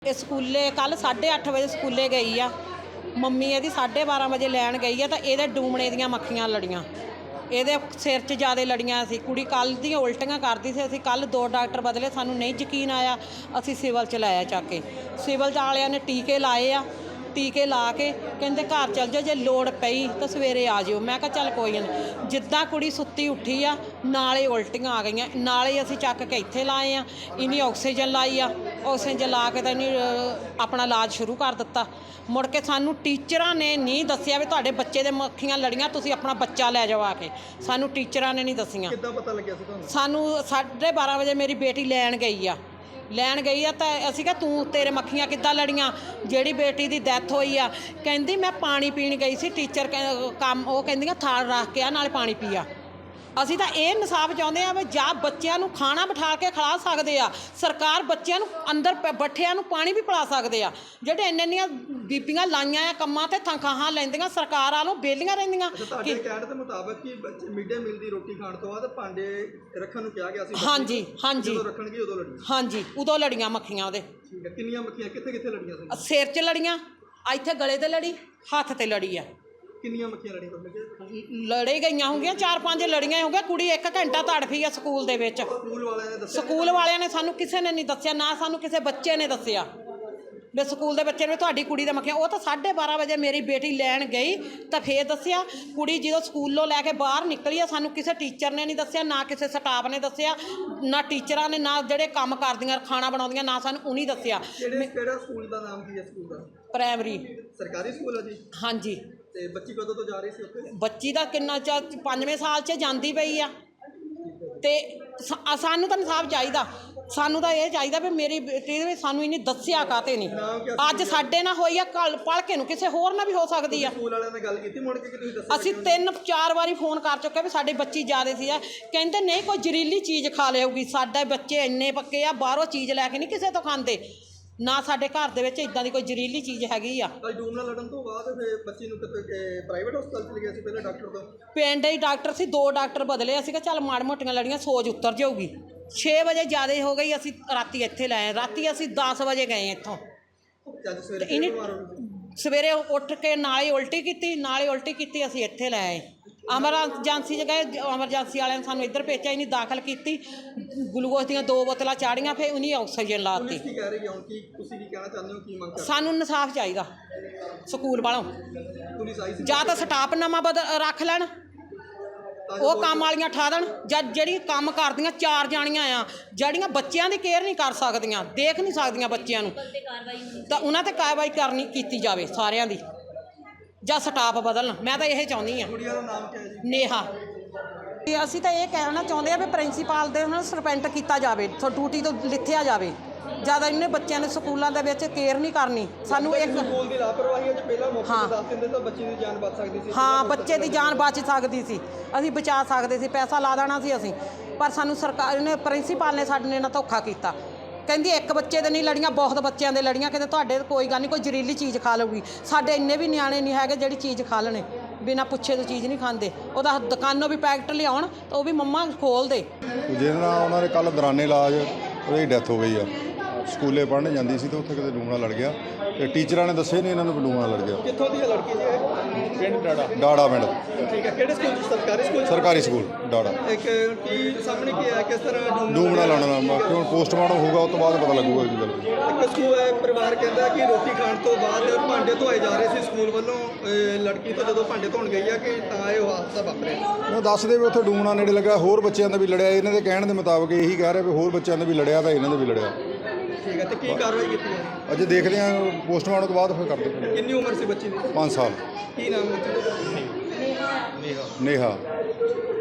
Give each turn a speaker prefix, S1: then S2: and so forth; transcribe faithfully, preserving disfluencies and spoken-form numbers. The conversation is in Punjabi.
S1: ਇਹ ਸਕੂਲੇ ਕੱਲ ਸਾਢੇ ਅੱਠ ਵਜੇ ਸਕੂਲੇ ਗਈ ਆ। ਮੰਮੀ ਇਹਦੀ ਸਾਢੇ ਬਾਰਾਂ ਵਜੇ ਲੈਣ ਗਈ ਆ ਤਾਂ ਇਹਦੇ ਡੂਮਣੇ ਦੀਆਂ ਮੱਖੀਆਂ ਲੜੀਆਂ, ਇਹਦੇ ਸਿਰ 'ਚ ਜ਼ਿਆਦਾ ਲੜੀਆਂ ਸੀ। ਕੁੜੀ ਕੱਲ੍ਹ ਦੀਆਂ ਉਲਟੀਆਂ ਕਰਦੀ ਸੀ। ਅਸੀਂ ਕੱਲ੍ਹ ਦੋ ਡਾਕਟਰ ਬਦਲੇ, ਸਾਨੂੰ ਨਹੀਂ ਯਕੀਨ ਆਇਆ, ਅਸੀਂ ਸਿਵਲ 'ਚ ਲਾਇਆ ਚੱਕ ਕੇ। ਸਿਵਲ 'ਚ ਵਾਲਿਆਂ ਨੇ ਟੀਕੇ ਲਾਏ ਆ, ਟੀਕੇ ਲਾ ਕੇ ਕਹਿੰਦੇ ਘਰ ਚੱਲ ਜਾਓ, ਜੇ ਲੋੜ ਪਈ ਤਾਂ ਸਵੇਰੇ ਆ ਜਿਓ। ਮੈਂ ਕਿਹਾ ਚੱਲ ਕੋਈ ਨਹੀਂ। ਜਿੱਦਾਂ ਕੁੜੀ ਸੁੱਤੀ ਉੱਠੀ ਆ ਨਾਲੇ ਉਲਟੀਆਂ ਆ ਗਈਆਂ, ਨਾਲੇ ਅਸੀਂ ਚੱਕ ਕੇ ਇੱਥੇ ਲਾਏ ਆ। ਇਹਨੇ ਆਕਸੀਜਨ ਲਾਈ ਆ, ਆਕਸੀਜਨ ਲਾ ਕੇ ਤਾਂ ਇਹਨੇ ਆਪਣਾ ਇਲਾਜ ਸ਼ੁਰੂ ਕਰ ਦਿੱਤਾ। ਮੁੜ ਕੇ ਸਾਨੂੰ ਟੀਚਰਾਂ ਨੇ ਨਹੀਂ ਦੱਸਿਆ ਵੀ ਤੁਹਾਡੇ ਬੱਚੇ ਦੇ ਮੱਖੀਆਂ ਲੜੀਆਂ, ਤੁਸੀਂ ਆਪਣਾ ਬੱਚਾ ਲੈ ਜਾਓ ਆ ਕੇ। ਸਾਨੂੰ ਟੀਚਰਾਂ ਨੇ ਨਹੀਂ ਦੱਸੀਆਂ।
S2: ਕਿੱਦਾਂ ਪਤਾ ਲੱਗਿਆ ਸੀ ਤੁਹਾਨੂੰ?
S1: ਸਾਨੂੰ ਸਾਢੇ ਬਾਰਾਂ ਵਜੇ ਮੇਰੀ ਬੇਟੀ ਲੈਣ ਗਈ ਆ ਲੈਣ ਗਈ ਆ ਤਾਂ ਅਸੀਂ ਕਿਹਾ ਤੂੰ ਤੇਰੇ ਮੱਖੀਆਂ ਕਿੱਦਾਂ ਲੜੀਆਂ? ਜਿਹੜੀ ਬੇਟੀ ਦੀ ਡੈਥ ਹੋਈ ਆ ਕਹਿੰਦੀ ਮੈਂ ਪਾਣੀ ਪੀਣ ਗਈ ਸੀ, ਟੀਚਰ ਕੰਮ ਉਹ ਕਹਿੰਦੀਆਂ ਥਾਲ ਰੱਖ ਕੇ ਆ ਨਾਲੇ ਪਾਣੀ ਪੀਆ। ਅਸੀਂ ਤਾਂ ਇਹ ਇਨਸਾਫ ਚਾਹੁੰਦੇ ਆ ਵੀ ਜਾਂ ਬੱਚਿਆਂ ਨੂੰ ਖਾਣਾ ਬਿਠਾ ਕੇ ਖਿਲਾ ਸਕਦੇ ਆ, ਸਰਕਾਰ ਬੱਚਿਆਂ ਨੂੰ ਅੰਦਰ ਬੱਠਿਆਂ ਨੂੰ ਪਾਣੀ ਵੀ ਪਿਲਾ ਸਕਦੇ ਆ। ਜਿਹੜੇ ਇੰਨੇ ਇੰਨੀਆਂ ਬੀਬੀਆਂ ਲਾਈਆਂ ਆ ਕੰਮਾਂ ਤੇ ਤਨਖਾਹਾਂ ਲੈਂਦੀਆਂ, ਸਰਕਾਰ ਵਾਲੋਂ ਬੇਲੀਆਂ ਰਹਿੰਦੀਆਂ।
S2: ਤੁਹਾਡੇ ਕਹਿਣ ਦੇ ਮੁਤਾਬਕ ਕਿ ਬੱਚੇ ਮਿਡ ਡੇ ਮੀਲ ਦੀ ਰੋਟੀ ਖਾਣ ਤੋਂ ਬਾਅਦ ਭਾਂਡੇ ਰੱਖਣ ਨੂੰ ਕਿਹਾ ਗਿਆ ਸੀ।
S1: ਹਾਂਜੀ ਹਾਂਜੀ
S2: ਜਦੋਂ ਰੱਖਣਗੇ ਉਦੋਂ ਲੜੀਆਂ? ਹਾਂਜੀ
S1: ਉਦੋਂ ਲੜੀਆਂ ਮੱਖੀਆਂ ਉਹਦੇ।
S2: ਠੀਕ ਹੈ, ਕਿੰਨੀਆਂ ਮੱਖੀਆਂ ਕਿੱਥੇ ਕਿੱਥੇ ਲੜੀਆਂ ਸੀ?
S1: ਸਿਰ 'ਚ ਲੜੀਆਂ, ਇੱਥੇ ਗਲੇ ਤੇ ਲੜੀ, ਹੱਥ ਤੇ ਲੜੀ ਆ।
S2: ਕਿੰਨੀਆਂ ਮੱਖੀਆਂ ਲੜੀਆਂ ਤੁਹਾਨੂੰ?
S1: ਲੜੇ ਗਈਆਂ ਹੋਣਗੀਆਂ ਚਾਰ ਪੰਜ ਲੜੀਆਂ ਹੋਣਗੀਆਂ। ਕੁੜੀ ਇੱਕ ਘੰਟਾ ਤੜਫੀ ਆ ਸਕੂਲ ਦੇ ਵਿੱਚ।
S2: ਸਕੂਲ ਵਾਲਿਆਂ ਨੇ ਦੱਸਿਆ?
S1: ਸਕੂਲ ਵਾਲਿਆਂ ਨੇ ਸਾਨੂੰ ਕਿਸੇ ਨੇ ਨਹੀਂ ਦੱਸਿਆ, ਨਾ ਸਾਨੂੰ ਕਿਸੇ ਬੱਚੇ ਨੇ ਦੱਸਿਆ ਵੀ ਸਕੂਲ ਦੇ ਬੱਚੇ ਨੇ ਤੁਹਾਡੀ ਕੁੜੀ ਦਾ ਮੱਖੀਆਂ। ਉਹ ਤਾਂ ਸਾਢੇ ਬਾਰਾਂ ਵਜੇ ਮੇਰੀ ਬੇਟੀ ਲੈਣ ਗਈ ਤਾਂ ਫੇਰ ਦੱਸਿਆ। ਕੁੜੀ ਜਦੋਂ ਸਕੂਲੋਂ ਲੈ ਕੇ ਬਾਹਰ ਨਿਕਲੀ ਆ, ਸਾਨੂੰ ਕਿਸੇ ਟੀਚਰ ਨੇ ਨਹੀਂ ਦੱਸਿਆ, ਨਾ ਕਿਸੇ ਸਟਾਫ ਨੇ ਦੱਸਿਆ, ਨਾ ਟੀਚਰਾਂ ਨੇ, ਨਾ ਜਿਹੜੇ ਕੰਮ ਕਰਦੀਆਂ ਖਾਣਾ ਬਣਾਉਂਦੀਆਂ, ਨਾ ਸਾਨੂੰ ਉਹਨੇ ਦੱਸਿਆ।
S2: ਕਿਹੜਾ ਸਕੂਲ ਦਾ ਨਾਮ ਕੀ ਹੈ ਸਕੂਲ ਦਾ?
S1: ਪ੍ਰਾਇਮਰੀ
S2: ਸਰਕਾਰੀ ਸਕੂਲ ਹੈ ਜੀ?
S1: ਹਾਂਜੀ।
S2: ਤੇ ਬੱਚੀ ਕਦੋਂ ਤੋਂ ਜਾ ਰਹੀ ਸੀ ਉੱਥੇ?
S1: ਬੱਚੀ ਦਾ ਕਿੰਨਾ ਚਾ ਪੰਜਵੇਂ ਸਾਲ 'ਚ ਜਾਂਦੀ ਪਈ ਆ। ਤੇ ਸਾਨੂੰ ਤਾਂ ਇਨਸਾਫ ਚਾਹੀਦਾ, ਸਾਨੂੰ ਤਾਂ ਇਹ ਚਾਹੀਦਾ ਵੀ ਮੇਰੀ ਬੇਟੀ ਦੇ ਸਾਨੂੰ ਇਹਨੇ ਦੱਸਿਆ ਕਾਤੇ ਨਹੀਂ। ਅੱਜ ਸਾਡੇ ਨਾਲ ਹੋਈ ਆ, ਕੱਲ ਭਲਕੇ ਨੂੰ ਕਿਸੇ ਹੋਰ ਨਾਲ ਵੀ ਹੋ ਸਕਦੀ ਆ।
S2: ਸਕੂਲ ਵਾਲਿਆਂ ਨੇ ਗੱਲ ਕੀਤੀ ਮੁੜ ਕੇ ਕਿ ਤੁਸੀਂ ਦੱਸਿਆ?
S1: ਅਸੀਂ ਤਿੰਨ ਚਾਰ ਵਾਰੀ ਫੋਨ ਕਰ ਚੁੱਕੇ ਵੀ ਸਾਡੀ ਬੱਚੀ ਜ਼ਿਆਦਾ ਸੀ ਆ। ਕਹਿੰਦੇ ਨਹੀਂ ਕੋਈ ਜ਼ਹਿਰੀਲੀ ਚੀਜ਼ ਖਾ ਲਿਆਊਗੀ। ਸਾਡੇ ਬੱਚੇ ਇੰਨੇ ਪੱਕੇ ਆ, ਬਾਹਰੋਂ ਚੀਜ਼ ਲੈ ਕੇ ਨਹੀਂ ਕਿਸੇ ਤੋਂ ਖਾਂਦੇ, ਨਾ ਸਾਡੇ ਘਰ ਦੇ ਵਿੱਚ ਇਦਾਂ ਦੀ ਕੋਈ ਜ਼ਹਿਰੀਲੀ ਚੀਜ਼ ਹੈਗੀ ਆ।
S2: ਡੂਮ ਨਾਲ ਲੜਨ ਤੋਂ ਬਾਅਦ ਫਿਰ ਬੱਚੀ ਨੂੰ ਕਿਤੇ ਪ੍ਰਾਈਵੇਟ ਹਸਪਤਾਲ ਚਲੇ ਗਿਆ ਸੀ ਪਹਿਲੇ ਡਾਕਟਰ ਤੋਂ?
S1: ਪਿੰਡ ਹੀ ਡਾਕਟਰ ਸੀ, ਦੋ ਡਾਕਟਰ ਬਦਲੇ। ਅਸੀਂ ਕਿਹਾ ਚੱਲ ਮਾੜ ਮੋਟੀਆਂ ਲੜੀਆਂ ਸੋਜ ਉਤਰ ਜਾਊਗੀ। ਛੇ ਵਜੇ ਜ਼ਿਆਦਾ ਹੋ ਗਈ, ਅਸੀਂ ਰਾਤੀ ਇੱਥੇ ਲਾਏ। ਰਾਤੀ ਅਸੀਂ ਦਸ ਵਜੇ ਗਏ ਇੱਥੋਂ। ਸਵੇਰੇ ਉੱਠ ਕੇ ਨਾਲੇ ਉਲਟੀ ਕੀਤੀ, ਨਾਲੇ ਉਲਟੀ ਕੀਤੀ, ਅਸੀਂ ਇੱਥੇ ਲੈ ਆਏ। ਐਮਰਜੈਂਸੀ 'ਚ ਗਏ, ਐਮਰਜੈਂਸੀ ਵਾਲਿਆਂ ਨੇ ਸਾਨੂੰ ਇੱਧਰ ਭੇਜਿਆ, ਇਹਨੇ ਦਾਖਲ ਕੀਤੀ, ਗਲੂਕੋਜ਼ ਦੀਆਂ ਦੋ ਬੋਤਲਾਂ ਚਾੜੀਆਂ, ਫਿਰ ਉਹਨੇ ਆਕਸੀਜਨ ਲਾਤੀ।
S2: ਕੀ ਕਹਿ ਰਹੀ ਹੈ ਹੁਣ? ਕੀ ਤੁਸੀਂ ਕੀ ਕਹਿਣਾ ਚਾਹੁੰਦੇ ਹੋ? ਕੀ ਮੰਗ ਕਰਦੇ?
S1: ਸਾਨੂੰ ਇਨਸਾਫ ਚਾਹੀਦਾ ਸਕੂਲ ਵਾਲੋਂ।
S2: ਪੁਲਿਸ ਆਈ ਸੀ?
S1: ਜਾਂ ਤਾਂ ਸਟਾਫ ਨਵਾਂ ਬਦ ਰੱਖ ਲੈਣ, ਉਹ ਕੰਮ ਵਾਲੀਆਂ ਠਾ ਦੇਣ, ਜਾਂ ਜਿਹੜੀ ਕੰਮ ਕਰਦੀਆਂ ਚਾਰ ਜਾਣੀਆਂ ਆ, ਜਿਹੜੀਆਂ ਬੱਚਿਆਂ ਦੀ ਕੇਅਰ ਨਹੀਂ ਕਰ ਸਕਦੀਆਂ, ਦੇਖ ਨਹੀਂ ਸਕਦੀਆਂ ਬੱਚਿਆਂ ਨੂੰ, ਤਾਂ ਉਹਨਾਂ 'ਤੇ ਕਾਰਵਾਈ ਕਰਨੀ ਕੀਤੀ ਜਾਵੇ ਸਾਰਿਆਂ ਦੀ, ਜਾਂ ਸਟਾਫ ਬਦਲਣ। ਮੈਂ ਤਾਂ ਇਹ ਚਾਹੁੰਦੀ ਹਾਂ।
S2: ਕੁੜੀਆਂ ਦਾ ਨਾਮ ਕੀ ਹੈ ਜੀ?
S1: ਨੇਹਾ। ਤੇ ਅਸੀਂ ਤਾਂ ਇਹ ਕਹਿਣਾ ਚਾਹੁੰਦੇ ਆ ਵੀ ਪ੍ਰਿੰਸੀਪਲ ਦੇ ਉਹਨਾਂ ਨੂੰ ਸਸਪੈਂਡ ਕੀਤਾ ਜਾਵੇ, ਡਿਊਟੀ ਤੋਂ ਲਿਥਿਆ ਜਾਵੇ। ਜ਼ਿਆਦਾ ਇਹਨੇ ਬੱਚਿਆਂ ਨੇ ਸਕੂਲਾਂ ਦੇ ਵਿੱਚ ਕੇਅਰ ਨਹੀਂ ਕਰਨੀ। ਸਾਨੂੰ ਇੱਕ
S2: ਸਕੂਲ ਦੀ ਲਾਪਰਵਾਹੀ ਹੈ, ਪਹਿਲਾਂ ਮੌਕੇ ਤੇ ਦੱਸ ਦਿੰਦੇ ਤਾਂ ਬੱਚੇ ਦੀ ਜਾਨ ਬਚ ਸਕਦੀ ਸੀ।
S1: ਹਾਂ, ਬੱਚੇ ਦੀ ਜਾਨ ਬਚ ਸਕਦੀ ਸੀ, ਅਸੀਂ ਬਚਾ ਸਕਦੇ ਸੀ, ਪੈਸਾ ਲਾ ਦੇਣਾ ਸੀ ਅਸੀਂ। ਪਰ ਸਾਨੂੰ ਸਰਕਾਰ ਨੇ, ਪ੍ਰਿੰਸੀਪਲ ਨੇ ਸਾਡੇ ਨਾਲ ਧੋਖਾ ਕੀਤਾ। ਕਹਿੰਦੀ ਇੱਕ ਬੱਚੇ ਦੇ ਨਹੀਂ ਲੜੀਆਂ, ਬਹੁਤ ਬੱਚਿਆਂ ਦੇ ਲੜੀਆਂ। ਕਹਿੰਦੇ ਤੁਹਾਡੇ ਕੋਈ ਗੱਲ ਨਹੀਂ, ਕੋਈ ਜ਼ਹਿਰੀਲੀ ਚੀਜ਼ ਖਾ ਲਊਗੀ। ਸਾਡੇ ਇੰਨੇ ਵੀ ਨਿਆਣੇ ਨਹੀਂ ਹੈਗੇ ਜਿਹੜੀ ਚੀਜ਼ ਖਾ ਲੈਣੇ, ਬਿਨਾਂ ਪੁੱਛੇ ਤੋਂ ਚੀਜ਼ ਨਹੀਂ ਖਾਂਦੇ। ਉਹਦਾ ਦੁਕਾਨੋਂ ਵੀ ਪੈਕਟ ਲਿਆਉਣ ਤਾਂ ਉਹ ਵੀ ਮੰਮਾ ਖੋਲ ਦੇ।
S3: ਜਿਹਦੇ ਨਾਲ ਉਹਨਾਂ ਦੇ ਕੱਲ੍ਹ ਦੌਰਾਨੇ ਇਲਾਜ ਉਹਦੀ ਡੈਥ ਹੋ ਗਈ ਆ। ਸਕੂਲੇ ਪੜ੍ਹਨ ਜਾਂਦੀ ਸੀ ਤੇ ਉੱਥੇ ਕਿਤੇ ਡੂਮ ਨਾਲ ਲੜ ਗਿਆ, ਤੇ ਟੀਚਰਾਂ ਨੇ ਦੱਸੇ ਨਹੀਂ ਇਹਨਾਂ ਨੂੰ ਡੂਮ ਨਾਲ ਲੜ ਗਿਆ।
S2: ਕਿੱਥੋਂ ਦੀ ਲੜਕੀ ਜੀ ਇਹ? ਪਿੰਡ ਡਾੜਾ।
S3: ਡਾੜਾ ਪਿੰਡ।
S2: ਠੀਕ ਹੈ, ਕਿਹੜੇ ਸਕੂਲ? ਸਰਕਾਰੀ ਸਕੂਲ?
S3: ਸਰਕਾਰੀ ਸਕੂਲ ਡਾੜਾ।
S2: ਇੱਕ ਕੀ ਸਾਹਮਣੇ ਕੀ ਹੈ, ਕਿਸ ਤਰ੍ਹਾਂ
S3: ਡੂਮ ਨਾਲ ਲੜਨਾ? ਬਾਕੀ ਹੁਣ ਪੋਸਟਮਾਰਟਮ ਹੋਊਗਾ, ਉਸ ਤੋਂ ਬਾਅਦ ਪਤਾ ਲੱਗੂਗਾ ਕੀ ਗੱਲ।
S2: ਇੱਕ ਸਕੂਲ ਹੈ, ਪਰਿਵਾਰ ਕਹਿੰਦਾ ਕਿ ਰੋਟੀ ਖਾਣ ਤੋਂ ਬਾਅਦ ਭਾਂਡੇ ਧੋਏ ਜਾ ਰਹੇ ਸੀ ਸਕੂਲ ਵੱਲੋਂ। ਲੜਕੀ ਤੋਂ ਜਦੋਂ ਭਾਂਡੇ ਧੋਣ ਗਈ ਆ ਕਿ ਤਾਂ ਇਹ ਹਾਦਸਾ ਵਾਪਰਿਆ।
S3: ਉਹ ਦੱਸਦੇ ਵੀ ਉੱਥੇ ਡੂਮ ਨਾਲ ਨੇੜੇ ਲੱਗਾ, ਹੋਰ ਬੱਚਿਆਂ ਦਾ ਵੀ ਲੜਿਆ। ਇਹਨਾਂ ਦੇ ਕਹਿਣ ਦੇ ਮੁਤਾਬਕ ਇਹੀ ਕਹਿ ਰਹੇ ਵੀ ਹੋਰ ਬੱਚਿਆਂ ਦਾ ਵੀ ਲੜਿਆ ਤਾਂ ਇਹਨਾਂ ਦਾ ਵੀ ਲੜਿਆ।
S2: ਠੀਕ ਹੈ, ਤੇ ਕੀ ਕਾਰਵਾਈ ਕੀਤੀ ਹੈ?
S3: ਅਜੇ ਦੇਖਦੇ ਹਾਂ, ਪੋਸਟਮਾਰਟਮ ਤੋਂ ਬਾਅਦ ਫਿਰ ਕਰਦੇ।
S2: ਕਿੰਨੀ ਉਮਰ ਸੀ ਬੱਚੀ ਦੀ?
S3: ਪੰਜ ਸਾਲ।
S2: ਕੀ ਨਾਮ ਬੱਚੀ ਦਾ? ਨੇਹਾ।
S3: ਨੇਹਾ।